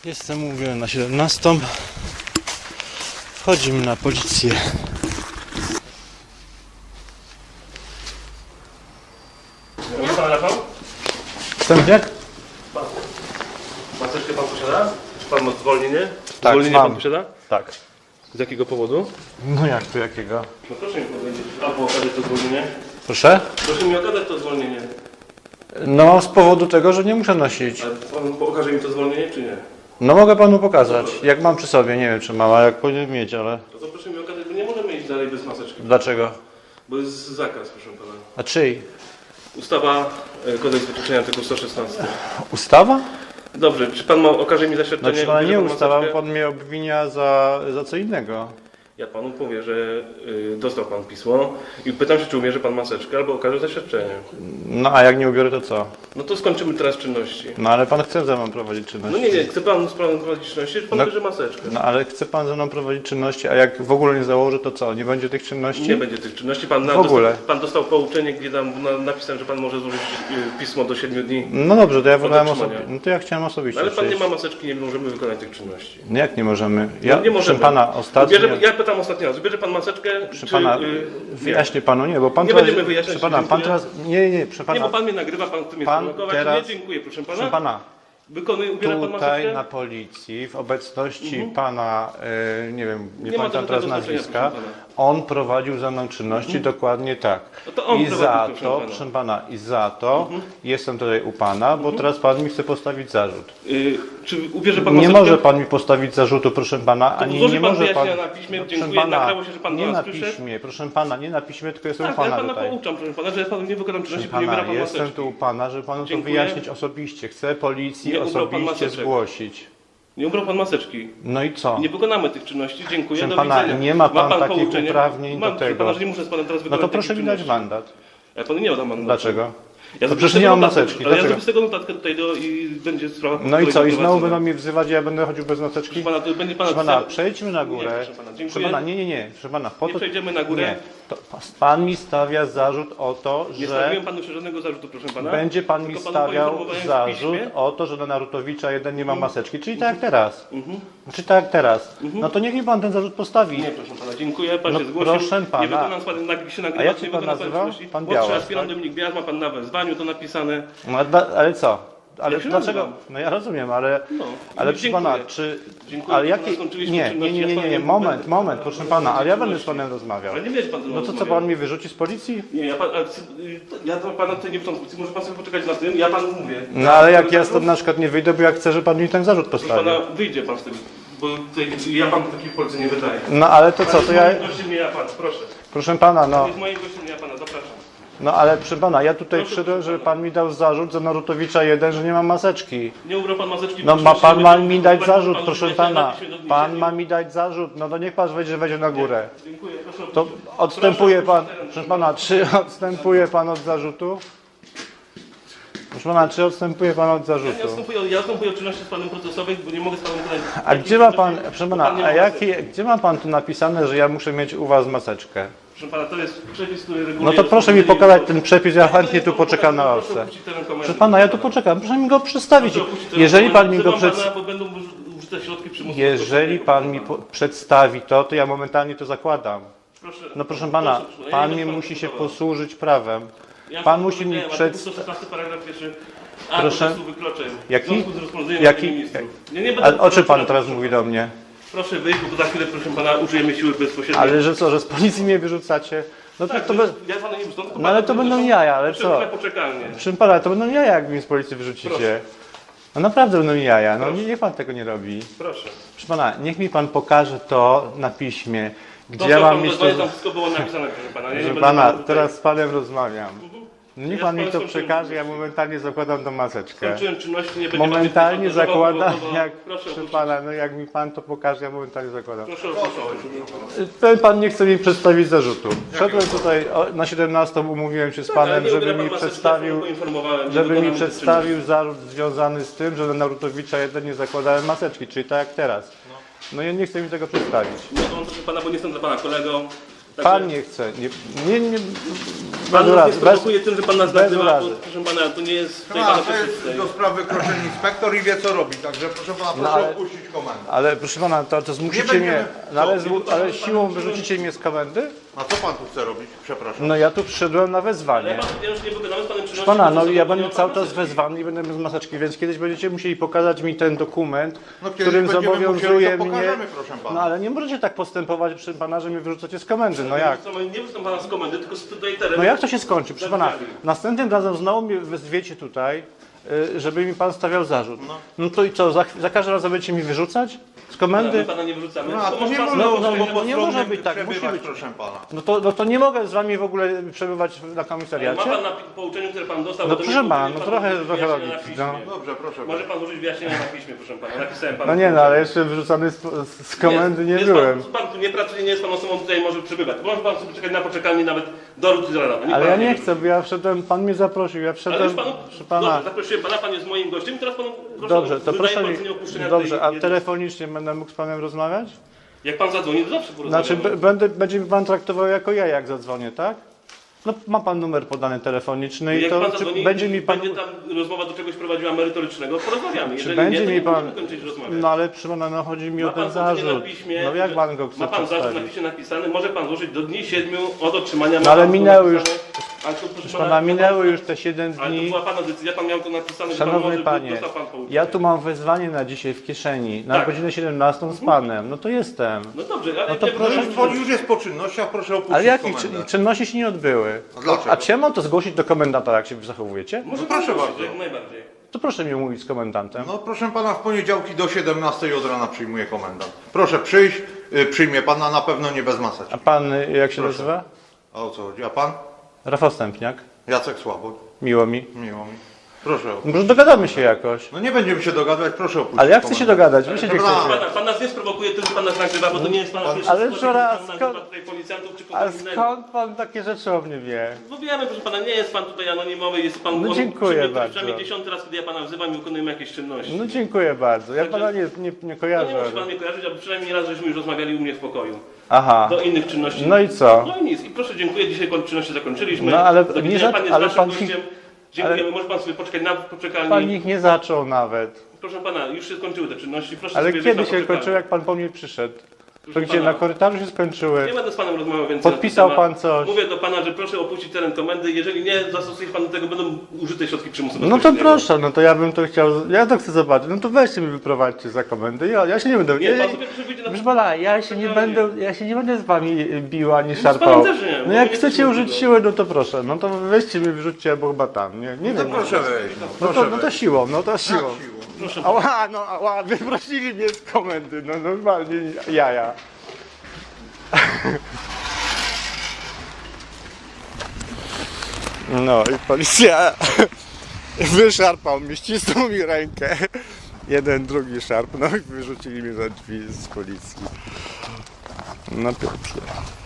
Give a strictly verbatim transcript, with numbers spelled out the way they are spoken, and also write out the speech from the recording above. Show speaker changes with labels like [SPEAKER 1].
[SPEAKER 1] Jestem umówiony na siedemnastą. Wchodzimy na policję.
[SPEAKER 2] Mówi pan Rafał?
[SPEAKER 1] Wstępniak?
[SPEAKER 2] Maseczkę pan posiada? Czy pan ma zwolnienie?
[SPEAKER 1] Tak,
[SPEAKER 2] Zwolnienie
[SPEAKER 1] mam.
[SPEAKER 2] pan posiada?
[SPEAKER 1] Tak.
[SPEAKER 2] Z jakiego powodu?
[SPEAKER 1] No jak to jakiego?
[SPEAKER 2] No proszę mi powiedzieć, albo okazać to zwolnienie.
[SPEAKER 1] Proszę?
[SPEAKER 2] Proszę mi okazać to zwolnienie.
[SPEAKER 1] No z powodu tego, że nie muszę nosić.
[SPEAKER 2] Ale pan okaże mi to zwolnienie, czy nie?
[SPEAKER 1] No mogę panu pokazać. Jak mam przy sobie, nie wiem czy mam, a jak powinien mieć, ale...
[SPEAKER 2] No to proszę mi okazać, bo nie możemy iść dalej bez maseczki.
[SPEAKER 1] Dlaczego?
[SPEAKER 2] Bo jest zakaz, proszę pana.
[SPEAKER 1] A czyj?
[SPEAKER 2] Ustawa, e, kodeks wykroczenia tylko sto szesnaście.
[SPEAKER 1] Ustawa?
[SPEAKER 2] Dobrze, czy pan ma, okaże mi
[SPEAKER 1] No
[SPEAKER 2] zaświadczenie?
[SPEAKER 1] czy pana
[SPEAKER 2] bierze
[SPEAKER 1] nie
[SPEAKER 2] pan
[SPEAKER 1] ustawa, bo
[SPEAKER 2] maseczkę?
[SPEAKER 1] pan mnie obwinia za, za co innego.
[SPEAKER 2] Ja panu powiem, że y, dostał pan pismo i pytam się, czy ubierze pan maseczkę albo okaże zaświadczenie.
[SPEAKER 1] No a jak nie ubiorę, to co?
[SPEAKER 2] No to skończymy teraz czynności.
[SPEAKER 1] No ale pan chce ze mną prowadzić czynności.
[SPEAKER 2] No nie, nie, chce pan z panem prowadzić czynności, czy pan
[SPEAKER 1] No-
[SPEAKER 2] bierze maseczkę?
[SPEAKER 1] No ale chce pan ze mną prowadzić czynności, a jak w ogóle nie założę, to co? Nie będzie tych czynności?
[SPEAKER 2] Nie będzie tych czynności. Pan, na,
[SPEAKER 1] W ogóle.
[SPEAKER 2] Dostał, pan dostał pouczenie, gdzie tam na, napisałem, że pan może złożyć y, pismo do siedmiu dni.
[SPEAKER 1] No dobrze, to ja wolałem
[SPEAKER 2] Odetrzymania.
[SPEAKER 1] osobiście. No to ja chciałem
[SPEAKER 2] No,
[SPEAKER 1] osobiście
[SPEAKER 2] ale pan nie
[SPEAKER 1] przyjść.
[SPEAKER 2] ma maseczki, nie możemy wykonać tych czynności.
[SPEAKER 1] No jak nie możemy? Ja,
[SPEAKER 2] No nie możemy.
[SPEAKER 1] proszę pana, ostatnio...
[SPEAKER 2] Ubierze, ja pytam ostatni raz, ubierze pan maseczkę,
[SPEAKER 1] Proszę
[SPEAKER 2] czy...
[SPEAKER 1] pana,
[SPEAKER 2] y,
[SPEAKER 1] wyjaśnię panu, nie, bo pan
[SPEAKER 2] Nie
[SPEAKER 1] teraz...
[SPEAKER 2] będziemy wyjaśniać,
[SPEAKER 1] Proszę pana, pan
[SPEAKER 2] dziękuję.
[SPEAKER 1] teraz... Nie, nie, proszę
[SPEAKER 2] Nie,
[SPEAKER 1] pana,
[SPEAKER 2] bo pan mnie nagrywa, pan chce mnie
[SPEAKER 1] pan
[SPEAKER 2] sprowokować.
[SPEAKER 1] teraz-
[SPEAKER 2] Nie, dziękuję, proszę pana.
[SPEAKER 1] proszę pana,
[SPEAKER 2] Wykonuje, ubiera pan
[SPEAKER 1] tutaj
[SPEAKER 2] maseczkę?
[SPEAKER 1] na policji, w obecności pana, e, nie wiem, nie,
[SPEAKER 2] Nie ma
[SPEAKER 1] pamiętam
[SPEAKER 2] to
[SPEAKER 1] teraz
[SPEAKER 2] żadnego znaczenia,
[SPEAKER 1] nazwiska,
[SPEAKER 2] proszę pana.
[SPEAKER 1] on prowadził ze mną czynności dokładnie tak.
[SPEAKER 2] No to on
[SPEAKER 1] I
[SPEAKER 2] prowadził,
[SPEAKER 1] za
[SPEAKER 2] proszę
[SPEAKER 1] to,
[SPEAKER 2] pana.
[SPEAKER 1] proszę pana, i za to jestem tutaj u pana, bo teraz pan mi chce postawić zarzut.
[SPEAKER 2] Y, czy ubierze pan
[SPEAKER 1] Nie
[SPEAKER 2] maseczkę?
[SPEAKER 1] może pan mi postawić zarzutu, proszę pana, ani
[SPEAKER 2] złoży
[SPEAKER 1] nie
[SPEAKER 2] pan
[SPEAKER 1] może pan...
[SPEAKER 2] wyjaśnienia na piśmie,
[SPEAKER 1] Proszę
[SPEAKER 2] dziękuję,
[SPEAKER 1] pana,
[SPEAKER 2] nagrało się, że pan do
[SPEAKER 1] nie
[SPEAKER 2] nas
[SPEAKER 1] na
[SPEAKER 2] przyszedł.
[SPEAKER 1] piśmie, proszę pana, nie na piśmie, tylko jestem
[SPEAKER 2] Tak,
[SPEAKER 1] u pana
[SPEAKER 2] ja pana
[SPEAKER 1] tutaj.
[SPEAKER 2] pouczam, proszę pana, że ja panu nie wykonam czynności,
[SPEAKER 1] Proszę
[SPEAKER 2] bo nie ubiera
[SPEAKER 1] pana,
[SPEAKER 2] pan
[SPEAKER 1] jestem
[SPEAKER 2] maseczki.
[SPEAKER 1] tu u pana, żeby panu to
[SPEAKER 2] Dziękuję.
[SPEAKER 1] wyjaśnić osobiście. Chcę policji
[SPEAKER 2] Nie ubrał pan
[SPEAKER 1] osobiście
[SPEAKER 2] maseczek.
[SPEAKER 1] zgłosić.
[SPEAKER 2] Nie ubrał pan maseczki.
[SPEAKER 1] No i co?
[SPEAKER 2] Nie wykonamy tych czynności, dziękuję,
[SPEAKER 1] Proszę
[SPEAKER 2] do
[SPEAKER 1] pana,
[SPEAKER 2] widzenia.
[SPEAKER 1] nie ma pan takich
[SPEAKER 2] pouczenie?
[SPEAKER 1] uprawnień do
[SPEAKER 2] Mam, proszę
[SPEAKER 1] tego.
[SPEAKER 2] pana, że nie muszę z panem teraz
[SPEAKER 1] No
[SPEAKER 2] wykonać
[SPEAKER 1] to proszę
[SPEAKER 2] takich
[SPEAKER 1] mi dać
[SPEAKER 2] czynności.
[SPEAKER 1] mandat.
[SPEAKER 2] Ja panu nie oddam mandatu.
[SPEAKER 1] Dlaczego?
[SPEAKER 2] Ja
[SPEAKER 1] To
[SPEAKER 2] zrobię
[SPEAKER 1] przecież
[SPEAKER 2] z
[SPEAKER 1] nie
[SPEAKER 2] tego
[SPEAKER 1] mam
[SPEAKER 2] notatkę-
[SPEAKER 1] maseczki,
[SPEAKER 2] Ale ja
[SPEAKER 1] dlaczego?
[SPEAKER 2] zrobię z tego notatkę tutaj do, i będzie sprawa.
[SPEAKER 1] No i co? I znowu
[SPEAKER 2] prowadzona.
[SPEAKER 1] będą mnie wzywać, a ja będę chodził bez maseczki?
[SPEAKER 2] Proszę pana, to będzie pana...
[SPEAKER 1] Proszę pana, przejdźmy na górę.
[SPEAKER 2] proszę pana, dziękuję.
[SPEAKER 1] Proszę pana, nie, nie, nie. Proszę pana, po
[SPEAKER 2] Nie
[SPEAKER 1] to...
[SPEAKER 2] przejdziemy na górę.
[SPEAKER 1] Nie. To pan mi stawia zarzut o to,
[SPEAKER 2] Nie
[SPEAKER 1] że
[SPEAKER 2] stawiłem panu jeszcze żadnego zarzutu, proszę pana.
[SPEAKER 1] będzie pan mi
[SPEAKER 2] Tylko panu
[SPEAKER 1] stawiał
[SPEAKER 2] poinformowałem w
[SPEAKER 1] zarzut
[SPEAKER 2] piśmie.
[SPEAKER 1] o to, że na Narutowicza jeden nie ma maseczki. Czyli tak jak teraz. Czyli tak jak teraz. No to niech mi pan ten zarzut postawi.
[SPEAKER 2] Nie, proszę pana, dziękuję, pan
[SPEAKER 1] No
[SPEAKER 2] się zgłosił.
[SPEAKER 1] proszę pana.
[SPEAKER 2] Nie wykonam z panem, nag- się nagrywa,
[SPEAKER 1] A jak się
[SPEAKER 2] nie
[SPEAKER 1] pan
[SPEAKER 2] wykonam z panem
[SPEAKER 1] nazywa?
[SPEAKER 2] czynności.
[SPEAKER 1] Pan
[SPEAKER 2] Młodszy
[SPEAKER 1] Białas,
[SPEAKER 2] aspirant
[SPEAKER 1] tak?
[SPEAKER 2] Dominik Białas, ma pan na wezwaniu to napisane.
[SPEAKER 1] No, a dla- ale co? Ale
[SPEAKER 2] Ja się
[SPEAKER 1] dlaczego?
[SPEAKER 2] nazywam.
[SPEAKER 1] No ja rozumiem, ale,
[SPEAKER 2] No.
[SPEAKER 1] ale
[SPEAKER 2] I
[SPEAKER 1] proszę
[SPEAKER 2] dziękuję.
[SPEAKER 1] pana, czy...
[SPEAKER 2] Dziękuję,
[SPEAKER 1] Ale
[SPEAKER 2] że
[SPEAKER 1] jakie...
[SPEAKER 2] skończyliśmy
[SPEAKER 1] Nie, nie,
[SPEAKER 2] czynności.
[SPEAKER 1] nie,
[SPEAKER 2] Ja
[SPEAKER 1] nie,
[SPEAKER 2] z
[SPEAKER 1] nie, nie,
[SPEAKER 2] panem
[SPEAKER 1] moment,
[SPEAKER 2] będę-
[SPEAKER 1] moment, proszę pana, ale ja będę z
[SPEAKER 2] czynności.
[SPEAKER 1] panem rozmawiał.
[SPEAKER 2] Ale nie wiesz pan, że
[SPEAKER 1] No to co, pan mnie wyrzuci z policji?
[SPEAKER 2] Nie, ja, pan, ale, y, ja to pana tutaj nie wtrącę, może pan sobie poczekać na tym, ja panu mówię.
[SPEAKER 1] No ale jak ja stąd na przykład nie wyjdę, bo ja chcę, żeby pan mi ten zarzut
[SPEAKER 2] Proszę
[SPEAKER 1] postawił.
[SPEAKER 2] pana, wyjdzie pan z tym, bo tutaj, ja panu takiej w Polsce nie wydaję.
[SPEAKER 1] No ale to co, to ja...
[SPEAKER 2] Jest moim gościem, nie ja pan, proszę.
[SPEAKER 1] Proszę pana, no...
[SPEAKER 2] Jest moim gościem, nie ja pana, zapraszam.
[SPEAKER 1] No ale proszę pana, ja tutaj
[SPEAKER 2] Proszę,
[SPEAKER 1] przyszedłem,
[SPEAKER 2] proszę
[SPEAKER 1] żeby
[SPEAKER 2] pana.
[SPEAKER 1] pan mi dał zarzut za Narutowicza jeden, że nie mam maseczki.
[SPEAKER 2] Nie ubrał pan maseczki.
[SPEAKER 1] No
[SPEAKER 2] bo
[SPEAKER 1] ma
[SPEAKER 2] oczywiście
[SPEAKER 1] pan
[SPEAKER 2] nie
[SPEAKER 1] ma
[SPEAKER 2] będzie-
[SPEAKER 1] mi dać
[SPEAKER 2] panu-
[SPEAKER 1] zarzut,
[SPEAKER 2] panu
[SPEAKER 1] proszę
[SPEAKER 2] wyjaśniam
[SPEAKER 1] pana.
[SPEAKER 2] na piśmie do dnia.
[SPEAKER 1] Pan ma mi dać zarzut, no to niech pan wejdzie, wejdzie na górę.
[SPEAKER 2] Dziękuję, proszę.
[SPEAKER 1] To odstępuje pan, proszę pana, czy odstępuje pan od zarzutu? Proszę pana, czy odstępuje pan od
[SPEAKER 2] Ja nie
[SPEAKER 1] zarzutu?
[SPEAKER 2] odstępuję, ja odstępuję od czynności z panem procesowych, bo nie mogę z panem wykonać.
[SPEAKER 1] A
[SPEAKER 2] takich
[SPEAKER 1] gdzie ma pan,
[SPEAKER 2] czynności,
[SPEAKER 1] proszę
[SPEAKER 2] bo
[SPEAKER 1] pana,
[SPEAKER 2] pan nie
[SPEAKER 1] a
[SPEAKER 2] ma
[SPEAKER 1] jaki,
[SPEAKER 2] maseczki.
[SPEAKER 1] gdzie ma pan tu napisane, że ja muszę mieć u was maseczkę?
[SPEAKER 2] Proszę pana, to jest przepis, który reguluje...
[SPEAKER 1] No to proszę mi pokazać ten przepis, ja chętnie tu poczekam na
[SPEAKER 2] Proszę
[SPEAKER 1] owce.
[SPEAKER 2] opuścić teren komendy.
[SPEAKER 1] Proszę pana, ja tu poczekam, proszę mi go przedstawić.
[SPEAKER 2] Proszę opuścić teren
[SPEAKER 1] Jeżeli pan mi
[SPEAKER 2] komendy.
[SPEAKER 1] go
[SPEAKER 2] Wzywam
[SPEAKER 1] przedstawi...
[SPEAKER 2] pana, bo będą uży- użyte środki przymusu.
[SPEAKER 1] Jeżeli pan mi po- przedstawi to, to ja momentalnie to zakładam.
[SPEAKER 2] Proszę,
[SPEAKER 1] No proszę pana,
[SPEAKER 2] proszę, ja
[SPEAKER 1] pan
[SPEAKER 2] nie
[SPEAKER 1] nie
[SPEAKER 2] będę
[SPEAKER 1] musi się
[SPEAKER 2] dyskutował.
[SPEAKER 1] posłużyć prawem.
[SPEAKER 2] Ja
[SPEAKER 1] Pan
[SPEAKER 2] panu
[SPEAKER 1] musi mi
[SPEAKER 2] powiedziałem,
[SPEAKER 1] przedstawić...
[SPEAKER 2] artykuł sto szesnasty paragraf pierwszy
[SPEAKER 1] Proszę?
[SPEAKER 2] Proszę. Wykroczeń.
[SPEAKER 1] Jaki?
[SPEAKER 2] W związku z rozporządzeniem
[SPEAKER 1] Jaki?
[SPEAKER 2] Rady Ministrów. Nie, nie będę
[SPEAKER 1] Ale o czym pan
[SPEAKER 2] proszę,
[SPEAKER 1] teraz
[SPEAKER 2] proszę.
[SPEAKER 1] mówi do mnie?
[SPEAKER 2] Proszę wyjść, bo za chwilę, proszę pana, użyjemy siły bezpośredniej.
[SPEAKER 1] Ale że co, że z policji mnie wyrzucacie? No to,
[SPEAKER 2] Tak,
[SPEAKER 1] to
[SPEAKER 2] to
[SPEAKER 1] be...
[SPEAKER 2] ja pana nie wystąpię.
[SPEAKER 1] No ale to będą jaja, ale co?
[SPEAKER 2] Na poczekalnię.
[SPEAKER 1] Proszę pana, to będą jaja, jak mnie z policji wyrzucicie.
[SPEAKER 2] Proszę.
[SPEAKER 1] No naprawdę będą jaja, no
[SPEAKER 2] Proszę.
[SPEAKER 1] nie, niech pan tego nie robi.
[SPEAKER 2] Proszę.
[SPEAKER 1] Proszę pana, niech mi pan pokaże to na piśmie, gdzie
[SPEAKER 2] Dostał
[SPEAKER 1] ja mam
[SPEAKER 2] pan
[SPEAKER 1] mieć to...
[SPEAKER 2] wezwanie, tam wszystko było napisane, proszę pana. Ja nie
[SPEAKER 1] Proszę
[SPEAKER 2] będę
[SPEAKER 1] pana,
[SPEAKER 2] panu tutaj-
[SPEAKER 1] teraz z panem rozmawiam. No niech
[SPEAKER 2] Ja
[SPEAKER 1] pan
[SPEAKER 2] z
[SPEAKER 1] mi
[SPEAKER 2] panem
[SPEAKER 1] to
[SPEAKER 2] skończyłem
[SPEAKER 1] przekaże, ja
[SPEAKER 2] czynności.
[SPEAKER 1] momentalnie zakładam tą maseczkę.
[SPEAKER 2] Skończyłem czynności, nie będzie
[SPEAKER 1] Momentalnie
[SPEAKER 2] pan decyzji
[SPEAKER 1] zakładam,
[SPEAKER 2] sądowo,
[SPEAKER 1] jak,
[SPEAKER 2] Proszę,
[SPEAKER 1] proszę
[SPEAKER 2] proszę,
[SPEAKER 1] pana, no jak mi pan to pokaże, ja momentalnie zakładam.
[SPEAKER 2] proszę opuścić.
[SPEAKER 1] Ten pan nie chce mi przedstawić zarzutu. Szedłem tutaj o- na siedemnastą, umówiłem się z panem, żeby mi przedstawił, żeby mi przedstawił zarzut związany z tym, że na Narutowicza jeden nie zakładałem maseczki, czyli tak jak teraz. No i nie chce mi tego przedstawić.
[SPEAKER 2] No to proszę pana, bo nie jestem dla pana kolegą. Także
[SPEAKER 1] Pan nie chce. Nie, nie, nie,
[SPEAKER 2] Pan
[SPEAKER 1] bez
[SPEAKER 2] nas nie
[SPEAKER 1] urazy, bez,
[SPEAKER 2] sprowokuje tym, że pan nas
[SPEAKER 1] bez
[SPEAKER 2] nagrywa,
[SPEAKER 1] urazy.
[SPEAKER 2] bo, proszę pana, to nie jest tutaj
[SPEAKER 3] A,
[SPEAKER 2] pana
[SPEAKER 3] to jest
[SPEAKER 2] przeszkód.
[SPEAKER 3] do spraw wykroczeń inspektor i wie co robi, także proszę pana, proszę
[SPEAKER 1] No, ale-
[SPEAKER 3] opuścić komendę.
[SPEAKER 1] ale proszę pana, to, to zmusicie
[SPEAKER 3] będziemy-
[SPEAKER 1] mnie, no, ale,
[SPEAKER 3] co?
[SPEAKER 1] zmu- ale siłą wyrzucicie mnie z komendy?
[SPEAKER 3] A co pan tu chce robić? Przepraszam.
[SPEAKER 1] No ja tu przyszedłem na
[SPEAKER 2] Ale
[SPEAKER 1] wezwanie.
[SPEAKER 2] pan, ja już nie wygadamy z panem czynności.
[SPEAKER 1] Pana, no
[SPEAKER 2] bo
[SPEAKER 1] ja
[SPEAKER 2] to
[SPEAKER 1] będę
[SPEAKER 2] nie ma
[SPEAKER 1] cały
[SPEAKER 2] pan
[SPEAKER 1] czas
[SPEAKER 2] maseczki.
[SPEAKER 1] wezwany i będę bez maseczki, więc kiedyś będziecie musieli pokazać mi ten dokument,
[SPEAKER 3] No, kiedyś
[SPEAKER 1] którym
[SPEAKER 3] będziemy
[SPEAKER 1] zobowiązuje
[SPEAKER 3] musieli, to
[SPEAKER 1] mnie.
[SPEAKER 3] pokażemy, proszę pana.
[SPEAKER 1] No ale nie możecie tak postępować, proszę pana, że mnie wyrzucacie z komendy. No jak?
[SPEAKER 2] Co, Nie wrzucam pana z komendy, tylko z tutaj teren.
[SPEAKER 1] No jak to się skończy? Proszę pana, następnym razem znowu mnie wezwiecie tutaj, y, żeby mi pan stawiał zarzut. No to i co, za, za każdym razem będziecie mi wyrzucać z
[SPEAKER 2] My
[SPEAKER 1] komendy?
[SPEAKER 2] pana nie wyrzucamy.
[SPEAKER 3] No, a
[SPEAKER 2] tylko
[SPEAKER 3] to nie
[SPEAKER 2] może pan-
[SPEAKER 3] wolno
[SPEAKER 1] no,
[SPEAKER 3] no,
[SPEAKER 1] no, nie może być tak, musi być.
[SPEAKER 3] proszę pana.
[SPEAKER 1] No to, no to nie mogę z wami w ogóle przebywać na
[SPEAKER 2] Ma
[SPEAKER 1] komisariacie?
[SPEAKER 2] pan na pouczeniu, które pan dostał.
[SPEAKER 1] No
[SPEAKER 2] bo to
[SPEAKER 1] proszę
[SPEAKER 2] nie
[SPEAKER 1] pana,
[SPEAKER 2] pouczenie,
[SPEAKER 1] no
[SPEAKER 2] pan
[SPEAKER 1] trochę-
[SPEAKER 2] złożyć
[SPEAKER 1] trochę
[SPEAKER 2] wyjaśnienia
[SPEAKER 1] logiki,
[SPEAKER 2] na
[SPEAKER 1] no.
[SPEAKER 2] piśmie.
[SPEAKER 3] Dobrze, proszę.
[SPEAKER 2] Może pan złożyć wyjaśnienia na piśmie, proszę pana. Napisałem panu.
[SPEAKER 1] No nie, no ale jeszcze wyrzucany z, z komendy nie
[SPEAKER 2] jest
[SPEAKER 1] byłem.
[SPEAKER 2] Pan, pan tu nie pracuje, nie jest pan osobą, tutaj może przebywać. Może pan sobie czekać na poczekalni nawet do ruty z rana. Nikt
[SPEAKER 1] Ale
[SPEAKER 2] pana
[SPEAKER 1] ja nie
[SPEAKER 2] wyrzuci.
[SPEAKER 1] chcę, bo ja wszedłem, pan mnie zaprosił, ja
[SPEAKER 2] Ale już
[SPEAKER 1] wszedłem,
[SPEAKER 2] panu,
[SPEAKER 1] proszę pana.
[SPEAKER 2] dobrze, zaprosiłem pana, pan jest moim gościem i teraz panu proszę,
[SPEAKER 1] Dobrze, to
[SPEAKER 2] wydaje
[SPEAKER 1] proszę
[SPEAKER 2] pan
[SPEAKER 1] mi,
[SPEAKER 2] ocenie opuszczenia
[SPEAKER 1] dobrze,
[SPEAKER 2] tej
[SPEAKER 1] a
[SPEAKER 2] jednej-
[SPEAKER 1] telefonicznie będę mógł z panem rozmawiać?
[SPEAKER 2] Jak pan zadzwoni, to zawsze porozmawiamy.
[SPEAKER 1] Znaczy, b- będę, będzie mi pan traktował jako ja, jak zadzwonię, tak? No ma pan numer podany telefoniczny i
[SPEAKER 2] Jak
[SPEAKER 1] to,
[SPEAKER 2] pan
[SPEAKER 1] czy
[SPEAKER 2] zadzwoni,
[SPEAKER 1] będzie mi pan...
[SPEAKER 2] będzie tam rozmowa do czegoś prowadziła merytorycznego, porozmawiamy.
[SPEAKER 1] Czy
[SPEAKER 2] Jeżeli
[SPEAKER 1] będzie
[SPEAKER 2] nie, to
[SPEAKER 1] mi
[SPEAKER 2] nie
[SPEAKER 1] pan...
[SPEAKER 2] będziemy kończyć rozmawiać.
[SPEAKER 1] No ale przy pana, no chodzi mi
[SPEAKER 2] Ma
[SPEAKER 1] o ten
[SPEAKER 2] pan zarzut na
[SPEAKER 1] zarzut.
[SPEAKER 2] piśmie,
[SPEAKER 1] No jak
[SPEAKER 2] że-
[SPEAKER 1] pan go chce
[SPEAKER 2] Ma pan zarzut na
[SPEAKER 1] przedstawić?
[SPEAKER 2] piśmie napisany, może pan złożyć do dni siedmiu od otrzymania.
[SPEAKER 1] No
[SPEAKER 2] ma
[SPEAKER 1] ale
[SPEAKER 2] pan to
[SPEAKER 1] minęły już-
[SPEAKER 2] napisane. Ale to, proszę
[SPEAKER 1] Proszę pana, minęły już te siedem
[SPEAKER 2] Ale to
[SPEAKER 1] dni.
[SPEAKER 2] była pana decyzja, pan miał to napisane, że
[SPEAKER 1] Szanowny
[SPEAKER 2] pan może,
[SPEAKER 1] panie,
[SPEAKER 2] dostał pan pouczenie.
[SPEAKER 1] ja tu mam wezwanie na dzisiaj w kieszeni, na
[SPEAKER 2] Tak.
[SPEAKER 1] godzinę siedemnastą z panem. No to jestem.
[SPEAKER 2] No dobrze, ale
[SPEAKER 1] No to
[SPEAKER 2] nie-
[SPEAKER 1] proszę-
[SPEAKER 3] Już, już jest po czynnościach, proszę opuścić
[SPEAKER 1] Ale jakie
[SPEAKER 3] komendę.
[SPEAKER 1] czy- czynności się nie odbyły?
[SPEAKER 3] A dlaczego?
[SPEAKER 1] A czy ja mam to zgłosić do komendanta, jak się zachowujecie?
[SPEAKER 2] Może
[SPEAKER 3] No
[SPEAKER 2] pan
[SPEAKER 3] proszę
[SPEAKER 2] prosić,
[SPEAKER 3] bardzo.
[SPEAKER 2] Jak najbardziej.
[SPEAKER 1] To proszę mi umówić z komendantem.
[SPEAKER 3] No proszę pana, w poniedziałki do siedemnastej od rana przyjmuje komendant. Proszę przyjść, y, przyjmie pana na pewno nie bez maseczki.
[SPEAKER 1] A pan y, jak się
[SPEAKER 3] Proszę.
[SPEAKER 1] nazywa?
[SPEAKER 3] A o co chodzi? A pan?
[SPEAKER 1] Rafał Stępniak.
[SPEAKER 3] Jacek Słabot.
[SPEAKER 1] Miło mi.
[SPEAKER 3] Miło mi. Proszę opuścić.
[SPEAKER 1] Może dogadamy się jakoś.
[SPEAKER 3] No nie będziemy się dogadywać, proszę opuścić
[SPEAKER 1] Ale ja chcę się
[SPEAKER 3] komendę.
[SPEAKER 1] dogadać, wy się nie
[SPEAKER 3] Dobra.
[SPEAKER 1] chcecie.
[SPEAKER 2] Pan, pan nas nie sprowokuje tym, że pan nas nagrywa, bo to nie jest pana pierwszy
[SPEAKER 1] ale
[SPEAKER 2] sytuacja,
[SPEAKER 1] jeszcze raz,
[SPEAKER 2] kiedy pan
[SPEAKER 1] skąd-
[SPEAKER 2] nagrywa tutaj policjantów czy
[SPEAKER 1] Ale
[SPEAKER 2] kogoś innego.
[SPEAKER 1] skąd pan takie rzeczy o mnie wie?
[SPEAKER 2] No wiemy, proszę pana, nie jest pan tutaj anonimowy, jest pan
[SPEAKER 1] No
[SPEAKER 2] on-
[SPEAKER 1] dziękuję
[SPEAKER 2] przy mnie
[SPEAKER 1] bardzo.
[SPEAKER 2] Przynajmniej dziesiąty raz, kiedy ja pana wzywam i wykonujemy jakieś czynności.
[SPEAKER 1] No dziękuję bardzo. Ja
[SPEAKER 2] Także-
[SPEAKER 1] pana nie, nie, nie
[SPEAKER 2] No nie
[SPEAKER 1] kojarzę.
[SPEAKER 2] musi pan mnie kojarzyć, a przynajmniej raz żeśmy już rozmawiali u mnie w pokoju.
[SPEAKER 1] Aha.
[SPEAKER 2] Do innych czynności.
[SPEAKER 1] No i co?
[SPEAKER 2] No i nic. I proszę, dziękuję. Dzisiaj kon- czynności zakończyliśmy.
[SPEAKER 1] No, ale
[SPEAKER 2] Do
[SPEAKER 1] nie
[SPEAKER 2] widzenia.
[SPEAKER 1] za-
[SPEAKER 2] pan jest
[SPEAKER 1] ale
[SPEAKER 2] naszym
[SPEAKER 1] pan-
[SPEAKER 2] gościem. Dziękujemy. Może pan sobie poczekać na poczekalni.
[SPEAKER 1] Pan ich nie zaczął nawet.
[SPEAKER 2] Proszę pana, już się skończyły te czynności. Proszę
[SPEAKER 1] Ale
[SPEAKER 2] sobie
[SPEAKER 1] kiedy
[SPEAKER 2] wyjść na
[SPEAKER 1] się
[SPEAKER 2] poczekalnię.
[SPEAKER 1] kończyło, jak pan po mnie przyszedł? To
[SPEAKER 2] Proszę
[SPEAKER 1] gdzie,
[SPEAKER 2] pana,
[SPEAKER 1] na korytarzu się
[SPEAKER 2] Nie
[SPEAKER 1] skończyły?
[SPEAKER 2] będę z panem rozmawiał więcej.
[SPEAKER 1] Podpisał
[SPEAKER 2] na ten temat.
[SPEAKER 1] pan coś?
[SPEAKER 2] Mówię do pana, że proszę opuścić teren komendy. Jeżeli nie zastosuje pan do tego, będą użyte środki przymusu
[SPEAKER 1] No to
[SPEAKER 2] bezpośredniego.
[SPEAKER 1] proszę, no to ja bym to chciał, ja to chcę zobaczyć. No to weźcie mi wyprowadźcie za komendę. Ja, ja się nie będę...
[SPEAKER 2] Nie,
[SPEAKER 1] ja,
[SPEAKER 2] pan sobie proszę wyjdzie na
[SPEAKER 1] Proszę pana, ja się nie
[SPEAKER 2] poczekalnię.
[SPEAKER 1] będę, ja się nie będę z wami bił ani
[SPEAKER 2] z
[SPEAKER 1] szarpał.
[SPEAKER 2] panem też nie,
[SPEAKER 1] No
[SPEAKER 2] bo
[SPEAKER 1] jak
[SPEAKER 2] nie
[SPEAKER 1] chcecie
[SPEAKER 2] jesteśmy
[SPEAKER 1] użyć
[SPEAKER 2] tego.
[SPEAKER 1] siły, no to proszę. No to weźcie mnie, wyrzućcie, bo chyba tam. Nie, nie
[SPEAKER 3] No
[SPEAKER 1] wiem.
[SPEAKER 3] proszę wejść. No,
[SPEAKER 1] No
[SPEAKER 3] proszę
[SPEAKER 1] to, no to
[SPEAKER 3] wejść.
[SPEAKER 1] siłą, no to
[SPEAKER 3] Jak
[SPEAKER 1] siłą.
[SPEAKER 3] siłą?
[SPEAKER 2] Proszę
[SPEAKER 1] Ała, no ała, wyprosili mnie z komendy, no normalnie jaja. No i policja wyszarpał mi, ścisnął mi rękę. Jeden, drugi szarp, no i wyrzucili mnie za drzwi z policji. No pięknie.